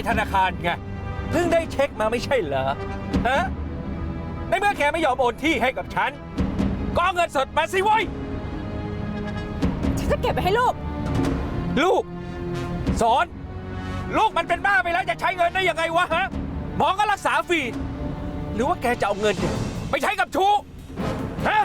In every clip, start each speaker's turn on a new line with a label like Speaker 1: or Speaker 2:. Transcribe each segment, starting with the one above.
Speaker 1: ธนาคารไงเพิ่งได้เช็คมาไม่ใช่เหรอฮะในเมื่อแกไม่ยอมโอนที่ให้กับฉันก็เอาเงินสดมาสิเว้ย
Speaker 2: ฉันจะเก็บไว้ให้ลูก
Speaker 1: ลูกสอนลูกมันเป็นบ้าไปแล้วจะใช้เงินได้ยังไงวะฮะหมอก็รักษาฟรีหรือว่าแกจะเอาเงินเนี่ยไปใช้กับชู้ฮะ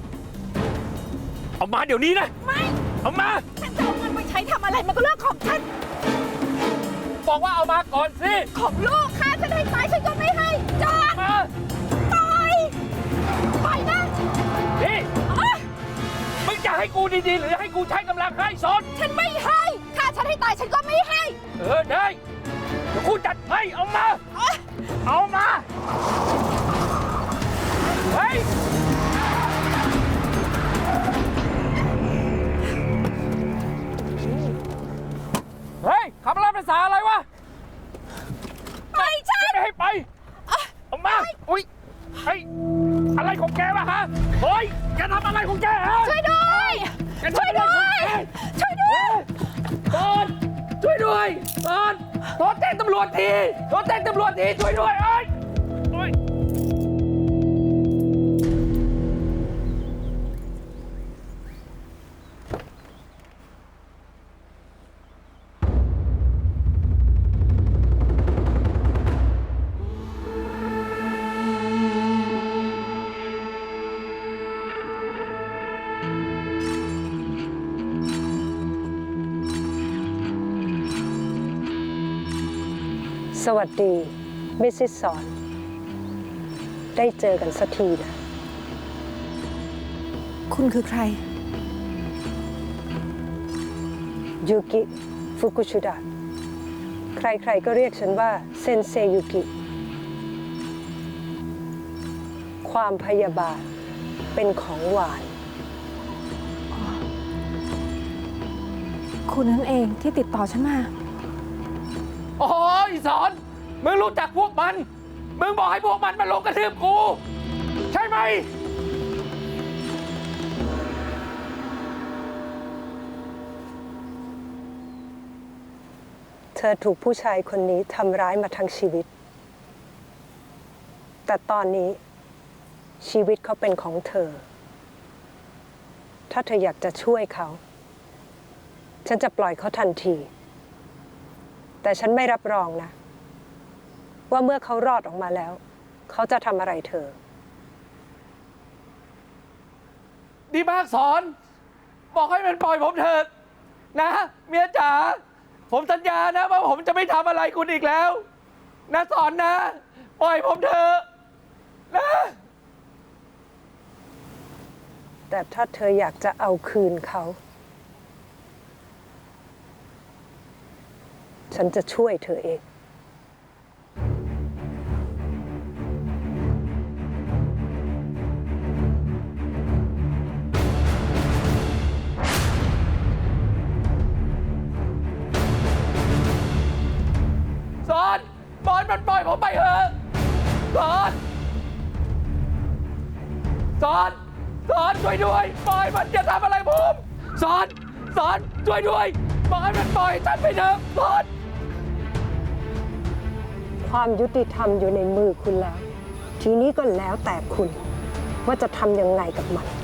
Speaker 1: เอามาเดี๋ยวนี้นะ
Speaker 2: ไม่
Speaker 1: เอามา
Speaker 2: ฉันจะเอาเงินไปใช้ทำอะไรมันก็เรื่องของฉัน
Speaker 1: บอกว่าเอามาก่อนสิ
Speaker 2: ของลูกค่ะฉันให้ไปฉันก็ไม่ให้จอด
Speaker 1: มา
Speaker 2: ปล่อยปล่อยนะ
Speaker 1: นี่
Speaker 2: อ๊ะ
Speaker 1: มึงจะให้กูดีๆหรือให้กูใช้กำลังให้สอน
Speaker 2: ฉันไม่ให้ค่ะฉันให้ตายฉันก็ไม่ให้
Speaker 1: ได้เดี๋ยวกูจัดให้เอามา
Speaker 2: อ๊ะ
Speaker 1: เอามาเฮ้ยเฮ้ยขับรถภาษาอะไรวะ
Speaker 2: ปล่อยฉัน
Speaker 1: ไม่ให้ไปเอามาอุ้ยเฮ้ยอะไรของแกวะฮะเฮ้ยแกทำอะไรของแกฮะ
Speaker 2: ช่วยด้วย
Speaker 1: แกทำอะไรของแก
Speaker 2: ช่วยด้วย
Speaker 1: ตอนช่วยด้วยตอนโทรแจ้งตำรวจทีโทรแจ้งตำรวจทีช่วยด้วยเอ้ยโอ้ย
Speaker 3: สวัสดี มิสซิสสอน ได้เจอกันสักทีนะ
Speaker 2: คุณคือใคร
Speaker 3: ยูกิ ฟุกุชิดะ ใครๆก็เรียกฉันว่าเซนเซยูกิ ความพยาบาทเป็นของหวาน
Speaker 2: คุณนั่นเองที่ติดต่อฉันมา
Speaker 1: โอ้ยสอนมึงรู้จักพวกมันมึงบอกให้พวกมันมาลงกระทืบกูใช่ไหม
Speaker 3: เธอถูกผู้ชายคนนี้ทำร้ายมาทั้งชีวิต แต่ตอนนี้ชีวิตเขาเป็นของเธอ ถ้าเธออยากจะช่วยเขา ฉันจะปล่อยเขาทันที แต่ฉันไม่รับรองนะ ว่าเมื่อเขารอดออกมาแล้ว เขาจะทำอะไรเธอ
Speaker 1: ดีมากสอน บอกให้มันปล่อยผมเถิดนะเมียจ๋าผมสัญญานะว่าผมจะไม่ทำอะไรคุณอีกแล้ว นะสอนนะ ปล่อยผมเถอะนะ
Speaker 3: แต่ถ้าเธออยากจะเอาคืนเขา ฉันจะช่วยเธอเอง
Speaker 1: สอนบอลมันปล่อยผมไปเถอะสอนสอนสอนช่วยด้วยปล่อยมันจะทำอะไรผมสอนสอนช่วยด้วยบอกให้มันปล่อยฉันไปเถอะสอน
Speaker 3: ความยุติธรรมอยู่ในมือคุณแล้ว ทีนี้ก็แล้วแต่คุณว่าจะทำยังไงกับมัน